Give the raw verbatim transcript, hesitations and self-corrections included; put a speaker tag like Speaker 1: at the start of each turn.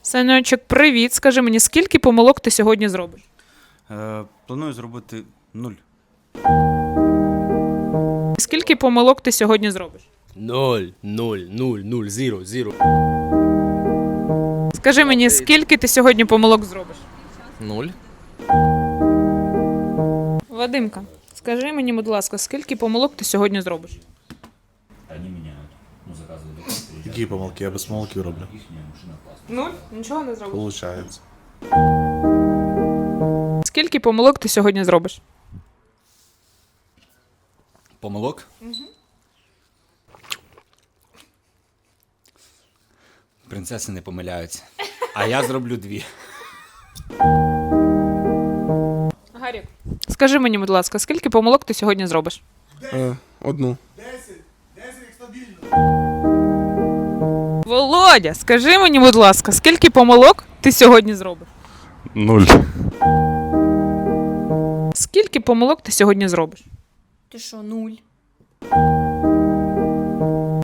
Speaker 1: Санечок, привіт. Скажи мені, скільки помилок ти сьогодні зробиш?
Speaker 2: Е, планую зробити нуль.
Speaker 1: Скільки помилок ти сьогодні зробиш?
Speaker 3: Ноль, ноль, нуль, нуль, зіро, зіро.
Speaker 1: Скажи мені, скільки ти сьогодні помилок зробиш?
Speaker 3: Нуль.
Speaker 1: Вадимка, скажи мені, будь ласка, скільки помилок ти сьогодні зробиш?
Speaker 4: Они меняют. Ну, заказывают документы.
Speaker 5: Які помилки? Я без помилки роблю.
Speaker 4: Их машина классная.
Speaker 1: Нуль? Нічого не зробиш.
Speaker 5: Получається.
Speaker 1: Скільки помилок ти сьогодні зробиш?
Speaker 2: Помилок? Принцеси не помиляються. А я зроблю дві.
Speaker 1: Гарік, скажи мені, будь ласка, скільки помилок ти сьогодні зробиш?
Speaker 5: Е, одну.
Speaker 1: Володя, скажи мені, будь ласка, скільки помилок ти сьогодні зробиш?
Speaker 5: Нуль.
Speaker 1: Скільки помилок ти сьогодні зробиш?
Speaker 6: Ти що, нуль?